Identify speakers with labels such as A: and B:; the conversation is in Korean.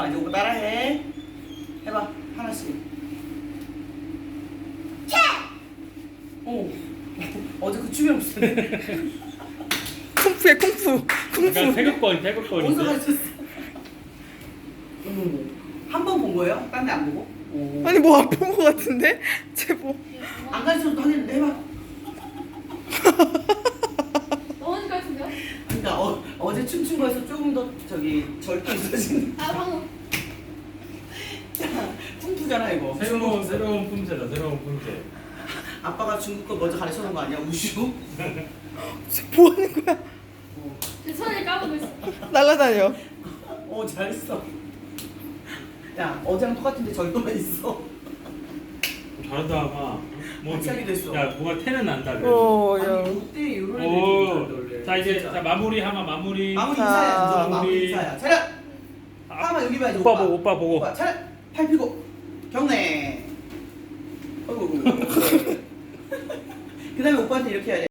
A: 이제 오빠 따라해. 해봐 하나씩. 오. 어제 그 춤이랑 비슷한데.
B: 쿵푸야 쿵푸.
C: 약간 태극권
A: 어디서
C: 태극권인데.
A: 가르쳤어? 한 번 본 거예요? 딴 데 안 보고? 오.
B: 아니 뭐 안 본 거 같은데? 쟤 뭐?
A: 안 가르쳐도 하겠는데 해봐.
D: 어머니 같은데요?
A: 그러니까 어제 춤춘 거에서 조금 더 저기 절도 있어진.
D: 아 방금
A: 쿵푸잖아 이거.
C: 새로운 품새다 새로운 품새.
A: 아빠가 중국 거 먼저 가르쳐 놓은 거 아니야? 우슈?
B: 쟤 뭐 하는 거야?
D: 제 손을 까보고 있어.
B: 날라다녀.
A: 잘했어. 야 어제랑 똑같은데 절도만 있어.
C: 잘한다 아마.
A: 같이 하기도 했어.
C: 야 뭐가 태는 난다. 그래.
B: 오, 야.
A: 아니 이때 이런 애들
C: 오. 자 이제 자 마무리 하마 마무리.
A: 마무리
B: 자,
A: 인사야 진짜. 마무리
C: 마무리.
A: 인사야. 차렷. 하마 여기 봐야지.
C: 오빠 보고 오빠 보고.
A: 오빠 차렷. 팔 펴고 경례. 어이구. 그다음에 오빠한테 이렇게 해야 돼.